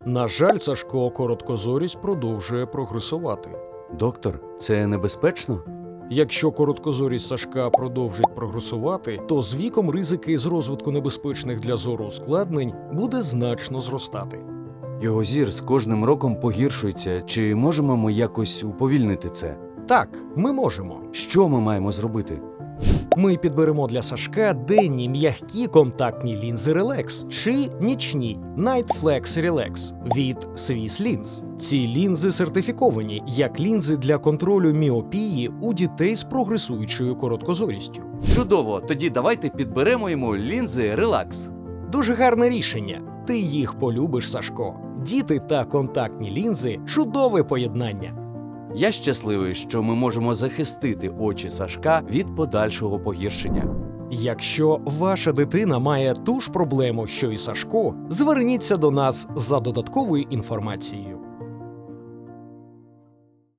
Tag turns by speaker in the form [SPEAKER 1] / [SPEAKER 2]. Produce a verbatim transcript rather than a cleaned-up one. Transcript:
[SPEAKER 1] На жаль, Сашко, короткозорість продовжує прогресувати.
[SPEAKER 2] Доктор, це небезпечно?
[SPEAKER 1] Якщо короткозорість Сашка продовжить прогресувати, то з віком ризики з розвитку небезпечних для зору ускладнень буде значно зростати.
[SPEAKER 2] Його зір з кожним роком погіршується. Чи можемо ми якось уповільнити це?
[SPEAKER 1] Так, ми можемо.
[SPEAKER 2] Що ми маємо зробити?
[SPEAKER 1] Ми підберемо для Сашка денні м'які контактні лінзи Relax чи нічні Night Flex Relax від Swiss Lens. Ці лінзи сертифіковані як лінзи для контролю міопії у дітей з прогресуючою короткозорістю.
[SPEAKER 2] Чудово! Тоді давайте підберемо йому лінзи Relax.
[SPEAKER 1] Дуже гарне рішення. Ти їх полюбиш, Сашко. Діти та контактні лінзи – чудове поєднання.
[SPEAKER 2] Я щасливий, що ми можемо захистити очі Сашка від подальшого погіршення.
[SPEAKER 1] Якщо ваша дитина має ту ж проблему, що і Сашко, зверніться до нас за додатковою інформацією.